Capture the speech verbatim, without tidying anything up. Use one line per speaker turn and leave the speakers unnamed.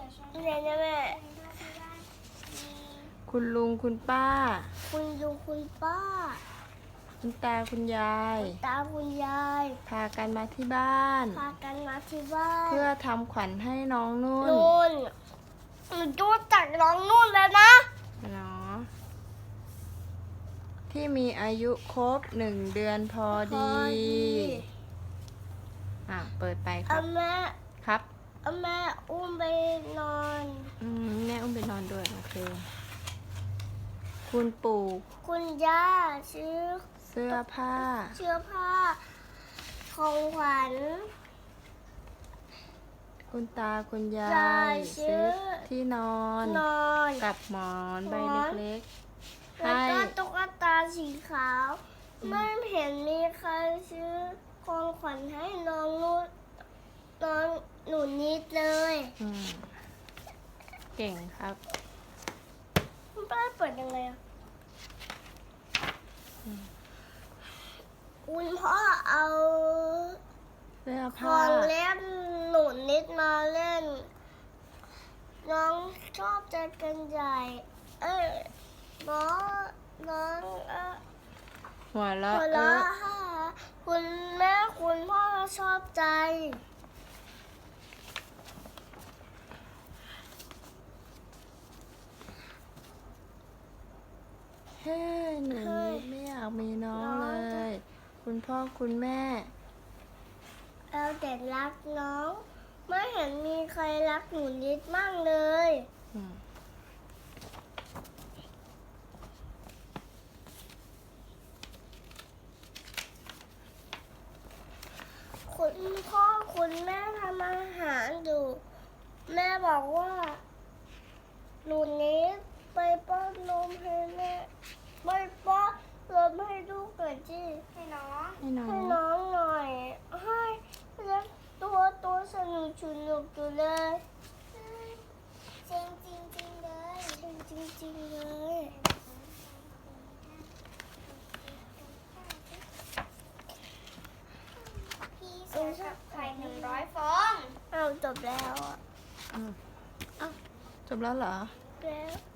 เรียนนะแม่
คุณลุงคุณป้า
คุณลุงคุณป้า
คุณตาคุณยาย
ตาคุณยาย
พากันมาที่บ้าน
พากันมาที่บ้าน
เพื่อทำขวัญให้น้องนุ่น
นุ่นหนูดูจากน้องนุ่นแล้วนะ
เนาะที่มีอายุครบหนึ่งเดือนพอดี อ่ะ เปิดไปครั
เอา
บ
แม่
ครับ
เอาแม่อุ้มไปนอน
อืมแม่อุ้มไปนอนด้วย โอเค คุณปู่
คุณย่าซื้อ
เสื้อผ้า
เสื้อผ้าของขวัญ
คุณตาคุณยาย
าย ซื้
ซื้
อ
อที่นอน
นอน
กับหมอนใบ
หมอน
เล็กๆ
แล้ว
ให้
ก็ตุ๊กตาสีขาว ไม่เห็นมีใครซื้อของขวัญให้น้องนุ่นน้องหนูนิดเลย
อืมเก่งครับ
คุณป้าเปิดยังไงอ่ะคุณพ่อเอา
เสื้อ
ข
ผ้า
องเล่นหนูนิดมาเล่น น้องชอบใจกันใหญ่ เอ้ยน้องน้องเออ
หัวเราะ
หัว
เอ
เราะ
อ
ค่ะคุณแม่คุณพ่อชอบใจ
เฮ้ยหนูนิดไม่อยากมีน้องเลย คุณพ่อคุณแม่
เราแต่รักน้อง ไม่เห็นมีใครรักหนูนิดมั่งเลย
อืม
คุณพ่อคุณแม่ทำอาหารอยู่ แม่บอกว่าหนูนิดไปป้อนนมให้แม่ไปป้อนนมให้ลูกหน่อยจีให้น้อง
ให้น้อ
ให้
ง
น้องหน่อย ให้แล้วตัวตัวสนุกสนุกอยู่เลยจริงจริงจริงเลยจริงจริงจริงเลยพี่เสียกับไข่หนึ่งร้อยฟองเอาจบแล้วอ่ะ
อืมอ้าวจบแล้วเหรอ
แล้ว